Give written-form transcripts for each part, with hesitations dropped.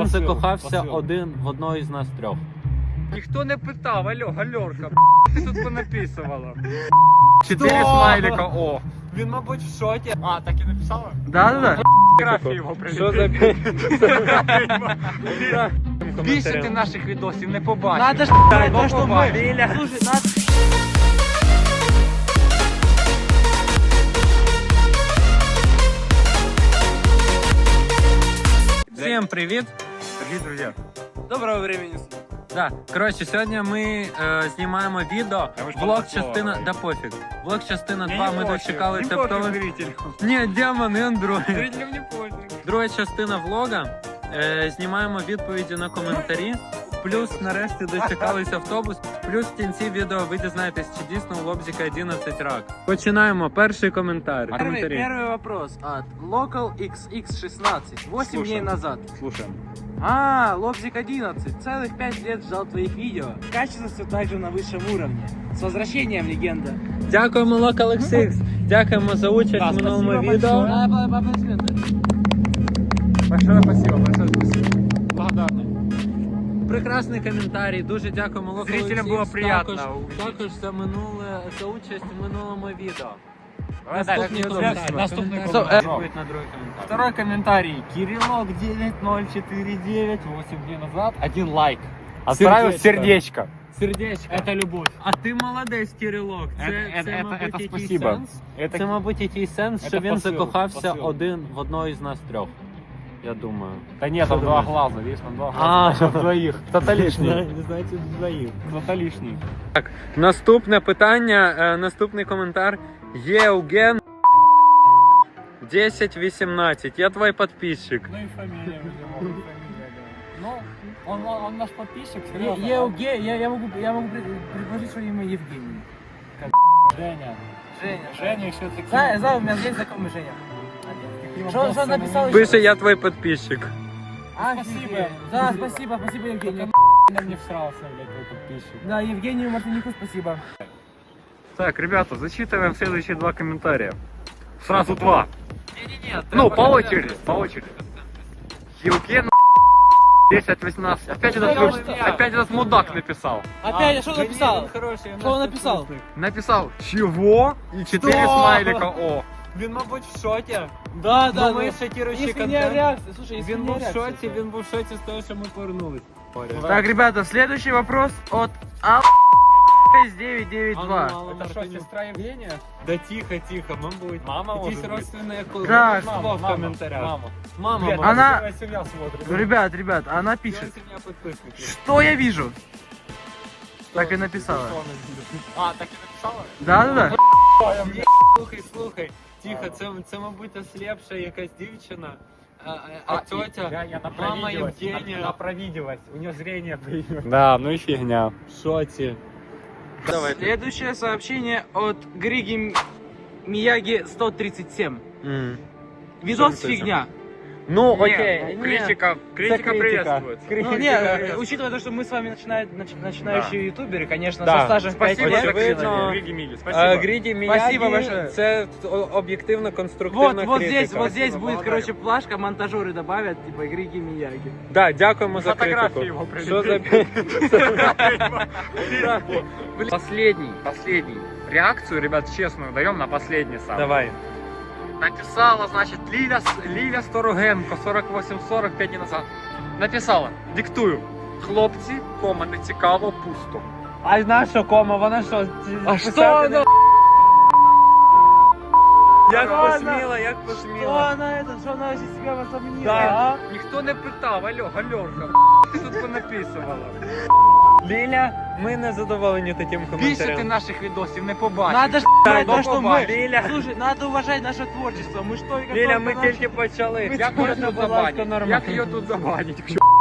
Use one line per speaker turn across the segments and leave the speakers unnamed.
закохався в одного із нас трьох.
Ніхто не питав, алло, гальорка, ти тут понаписувала. 4 смайлика, о.
Він, мабуть, в шокі.
А, так і написала?
Да.
Фотографію його
Що за
Більше ти наших відосів не побачиш.
Надо ж, то, что мы. Слушай, надо...
Всім привіт!
Дорогі друзі.
Доброго времени суток.
Да, коротше, сьогодні ми знімаємо відео. Влог частина. Да пофіг. Влог частина 2. Ми дочекали тептових. Ні, демон і Android.
Зрителям не пофіг.
Друга частина влога. Знімаємо відповіді на коментарі. Плюс нарешті дочекались автобус. Плюс в кінці відео ви дізнаєтесь, чи дійсно у Лобзика 11 рак. Починаємо. Перший коментар.
Первый вопрос от Local XX16. 8 дней назад.
Слушаем.
Лобзик 11. Целых 5 лет ждал твоих видео. Качество все так же на высшем уровне. С возвращением, легенда.
Дякуємо, Local XX. Дякуємо за участь в минулому відео.
Большое спасибо, большое спасибо. Благодарный.
Прекрасний коментарі. Дуже дякуємо Local
Зрителям
XX.
було приємно.
Також за участь в минулому відео.
Наступний коментар.
Наступний
Коментар.
коментар. Відповідь на другий коментар.
Второй комментарий. Кириллок 9049 8 дней назад. 1 лайк. Отправил сердечко.
Сердечко.
Это любовь.
А ти молодець, Кирилок. Це мабуть,
это
якийсь
спасибо.
сенс. Це, мабуть, якийсь сенс, що
Це
він
посил,
закохався
посил.
в одного із нас трьох. Я думаю.
Да нет, там два глаза, видишь, там два
А,
глаза. Двоих. Кто-то лишний.
Значить, двоїх.
Кто-то лишний.
Так, наступне питання, наступний коментар. Євген 1018. Я твій підписчик.
Ну и фамилия, Ну, он наш подписчик, серьезно.
Я могу предложить свое имя Евгений.
Женя.
Женя.
Женя еще такие.
Знаю, у меня есть знакомый Женя. Что написал
Пише, я твій підписчик.
Спасибо.
Да, спасибо Евгению.
Я не всрался, блядь, твой подписчик.
Да, Евгению Мартынику спасибо.
Так, ребята, зачитываем следующие два комментария. Сразу два.
Не-не-не.
Ну, по очереди, по очереди. Евген 1018. Опять этот мудак написал.
Опять, а что написал? Что он написал?
Написал чего и 4 смайлика о.
Він, мабуть, в шокі.
Да,
Думаю, шокируючий
Если не
контент.
реакция, слушай, если
Він
не
був в
реакция.
шоці, він був в шоці з того, що ми повернулись.
Так, ребята, следующий вопрос от А 992.
Это что, сестра Евгения?
Да тихо, мабуть.
Мама
Якісь
може
родственні
Так.
в коментарях.
Мама.
Мама,
Блядь,
мама.
Она-
целая семья смотрит.
Ребят, она пишет.
Сім'я підписників.
Что я вижу? Так и написала.
А, так и написала?
Да.
Слухай, тихо, це мабуть, ослепша якась дівчина. А
А
тетя,
я
мама Евгения.
Она провиделась, у нее зрение появилось. Да, ну и фигня.
в шоці. Давай.
Следующее сообщение от Григи Мияги 137. Видос
Что это?
фигня.
Ну,
Не,
окей.
ну, критика приветствуется.
Ну, не, учитывая то, что мы с вами начинающие ютуберы, конечно,
Да.
со стажем в 5
Спасибо,
лет.
очевидно.
Григи Мили, спасибо.
Гріді Міягі,
Спасибо большое.
це об'єктивно конструктивна
Вот
критика.
здесь будет,
благодарю.
короче, плашка, монтажеры добавят, типа, Григи Мияги.
Да, дякуємо за
Фотографии
критику.
его
Що за
Последний. Реакцию, ребят, честную даем на последний сам.
Давай.
Написала, значит, Ліля Сторогенко, 48-45 днів назад. Написала, диктую. Хлопці, кома, не цікаво, пусто.
А наша кома, вона що?
А що
воно? Як
Що вона?
посміла, як
Что
посміла.
что она из себя возомнила?
Да.
Ніхто не питав, алло, гальорка, ти тут понаписувала.
Ліля, ми не задоволені таким
Більше ти
коментарем.
наших відосів не побачиш.
Надо ж
Да,
то, что мы...
Лиля.
Слушай, надо уважать наше творчество. Мы что,
Ліля, ми тільки почали.
Як її
Можна,
тут
будь ласка,
забанить?
нормально.
Як її тут забанить?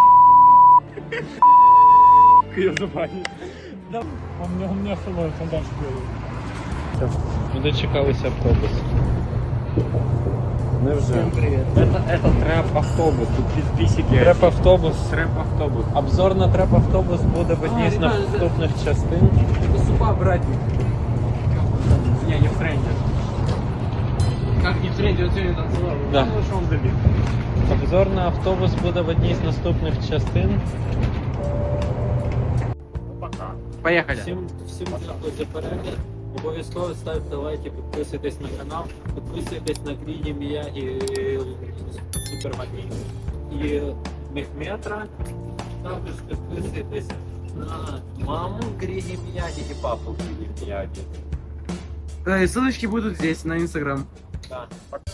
Її забанить. Он мне становится дальше делает.
Ми дочекалися автобус. Невже?
привет.
Это трэп-автобус, тут підписики.
Треп-автобус.
Трэп-автобус.
Обзор на треп-автобус буде в одній з
ребята,
наступних частин.
Супа, братик.
Не, не френдер. Как не
Смотрите, вот сегодня танцевал.
Да.
Ну, что он добил.
Обзор на автобус буде в одній з наступних частин.
Поехали.
Всім дякую за перегляд. Обов'язково ставте лайки, підписуйтесь на канал, підписуйтесь на Гріні Міягі Супермаркет і Мехметра. Також підписуйтесь на маму Гріні Міягі і папу Гріні Міягі.
Ссылочки будут здесь, на Инстаграм.
Так.